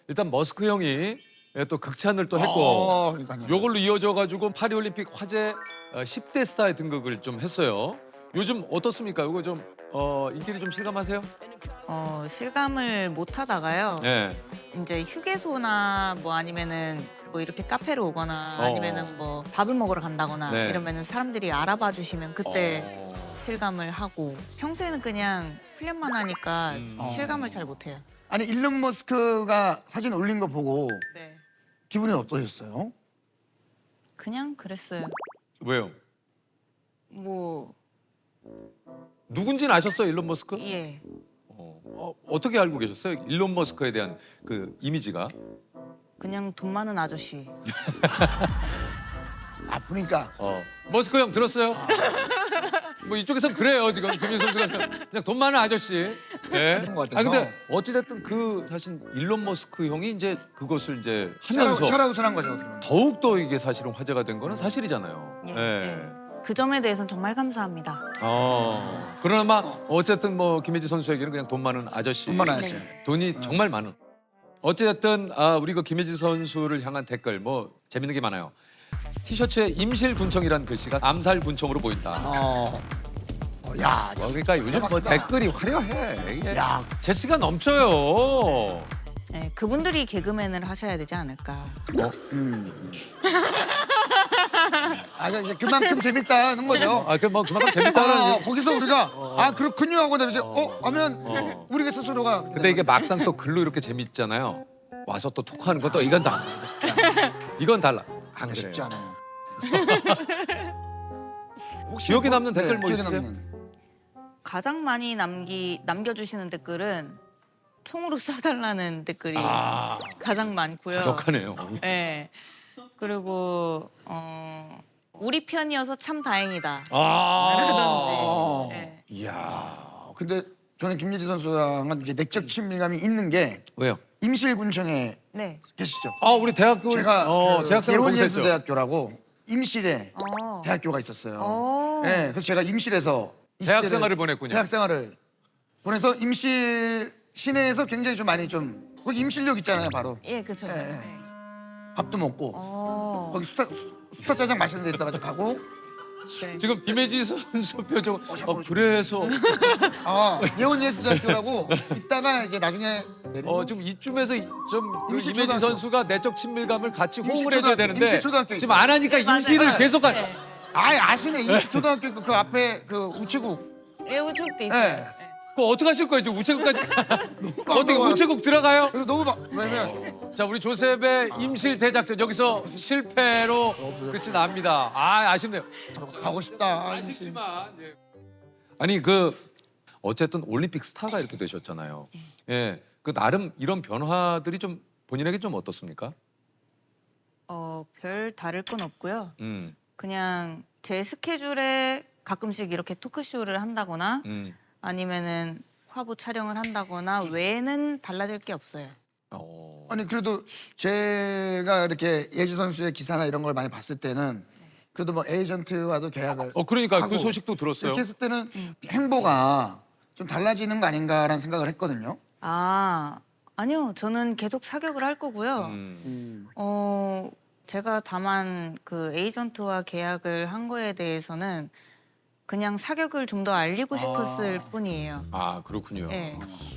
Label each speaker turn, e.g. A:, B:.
A: 일단 머스크 형이 또 극찬을 또 했고
B: 그러니까요.
A: 요걸로 이어져 가지고 파리올림픽 화제 10대 스타에 등극을 좀 했어요. 요즘 어떻습니까? 이거 좀 인기를 좀 실감하세요?
C: 실감을 못 하다가요.
A: 네.
C: 이제 휴게소나 뭐 아니면은 뭐 이렇게 카페로 오거나 아니면은 뭐 밥을 먹으러 간다거나
A: 네.
C: 이러면은 사람들이 알아봐 주시면 그때
A: 어.
C: 실감을 하고 평소에는 그냥 훈련만 하니까 실감을 잘 못 해요.
B: 아니 일론 머스크가 사진 올린 거 보고
C: 네.
B: 기분이 어떠셨어요?
C: 그냥 그랬어요.
A: 왜요?
C: 뭐
A: 누군지는 아셨어요, 일론 머스크?
C: 예.
A: 어떻게 알고 계셨어요? 일론 머스크에 대한 그 이미지가?
C: 그냥 돈 많은 아저씨.
B: 아프니까.
A: 머스크 형 들었어요? 뭐 이쪽에선 그래요 지금 김민 선수가 그냥 돈 많은 아저씨. 네.
B: 그런 것 같아서.
A: 아 근데 어찌됐든 그 사실 일론 머스크 형이 이제 그것을 이제 하면서
B: 샤라웃을 한 거죠 어떻게 보면.
A: 더욱 더 이게 사실은 화제가 된 거는 사실이잖아요.
C: 예.
A: 네.
C: 예. 그 점에 대해서는 정말 감사합니다.
A: 그러나 어쨌든 뭐 김혜지 선수에게는 그냥 돈 많은 아저씨.
B: 돈 많은 아저씨.
A: 돈이 정말 많은. 어찌됐든 우리 그 김혜지 선수를 향한 댓글 뭐 재밌는 게 많아요. 티셔츠에 임실군청이라는 글씨가 암살군청으로 보인다.
B: 야,
A: 그러니까 요즘 뭐
B: 대박이다.
A: 댓글이 화려해. 이게
B: 야,
A: 재치가 넘쳐요.
C: 예, 그분들이 개그맨을 하셔야 되지 않을까.
B: 이제 그만큼 재밌다는 거죠.
A: 그뭐 그만큼 재밌다는.
B: 거기서 우리가 그렇군요 하고 나면서 하면 우리가 스스로가
A: 근데 이게 막상 또 글로 이렇게 재밌잖아요. 와서 또 톡하는 건 또 이건 달라. 이건 달라. 안
B: 쉽지
A: 그래요.
B: 않아요. 혹시
A: 기억에 남는 댓글 뭐
B: 기억에
A: 있으세요?
B: 남는.
C: 가장 많이 남겨주시는 댓글은 총으로 쏴달라는 댓글이 가장 많고요.
A: 적하네요.
C: 네. 그리고 우리 편이어서 참 다행이다. 라든지. 네.
A: 이야.
B: 근데 저는 김예지 선수랑은 이제 내적 친밀감이 있는 게
A: 왜요?
B: 임실군청에
C: 네.
B: 계시죠.
A: 우리 대학교
B: 제가
A: 대학생을 거기서 했죠.
B: 예원예술대학교라고 임실에 대학교가 있었어요. 네, 그래서 제가 임실에서 20대를
A: 대학 생활을 보냈군요.
B: 대학 생활을 보내서 임실 시내에서 굉장히 좀 많이 좀 거기 임실역 있잖아요, 바로.
C: 예, 그렇죠.
B: 네. 밥도 먹고 거기 수타 짜장 맛있는 데 있어가지고 가고
A: 지금 김혜지 선수 표정. 그래서
B: 예원예술대학교라고 있다가 이제 나중에
A: 지금 이쯤에서 좀그
B: 임실초등학교.
A: 임혜지 선수가 내적 친밀감을 같이 호응을
B: 임실초등학교,
A: 해줘야 되는데
B: 임실초등학교
A: 지금 안 하니까 임실을
B: 맞아요.
A: 계속 가.
B: 아시네 임실초등학교 그 앞에 그 우체국.
C: 예, 우측도 있어요.
B: 네.
A: 그거 어떻게 하실 거예요? 지금 우체국까지 어떻게
B: 반가워요.
A: 우체국 들어가요?
B: 그래서 너무 왜냐면
A: 자, 우리 조셉의 임실 대작전 여기서 실패로 끝이 납니다. 아쉽네요.
B: 가고 싶다.
A: 아쉽지만 아니 그 어쨌든 올림픽 스타가 이렇게 되셨잖아요. 예, 그 나름 이런 변화들이 좀 본인에게 좀 어떻습니까?
C: 별 다를 건 없고요.
A: 음,
C: 그냥 제 스케줄에 가끔씩 이렇게 토크쇼를 한다거나 아니면은 화보 촬영을 한다거나 외에는 달라질 게 없어요.
B: 아니 그래도 제가 이렇게 예지 선수의 기사나 이런 걸 많이 봤을 때는 그래도 뭐 에이전트와도 계약을
A: 그러니까 그
B: 하고
A: 소식도 들었어요.
B: 이렇게 했을 때는 행보가 좀 달라지는 거 아닌가라는 생각을 했거든요.
C: 아니요. 저는 계속 사격을 할 거고요. 제가 다만 그 에이전트와 계약을 한 거에 대해서는 그냥 사격을 좀 더 알리고 싶었을 뿐이에요.
A: 그렇군요.
C: 네.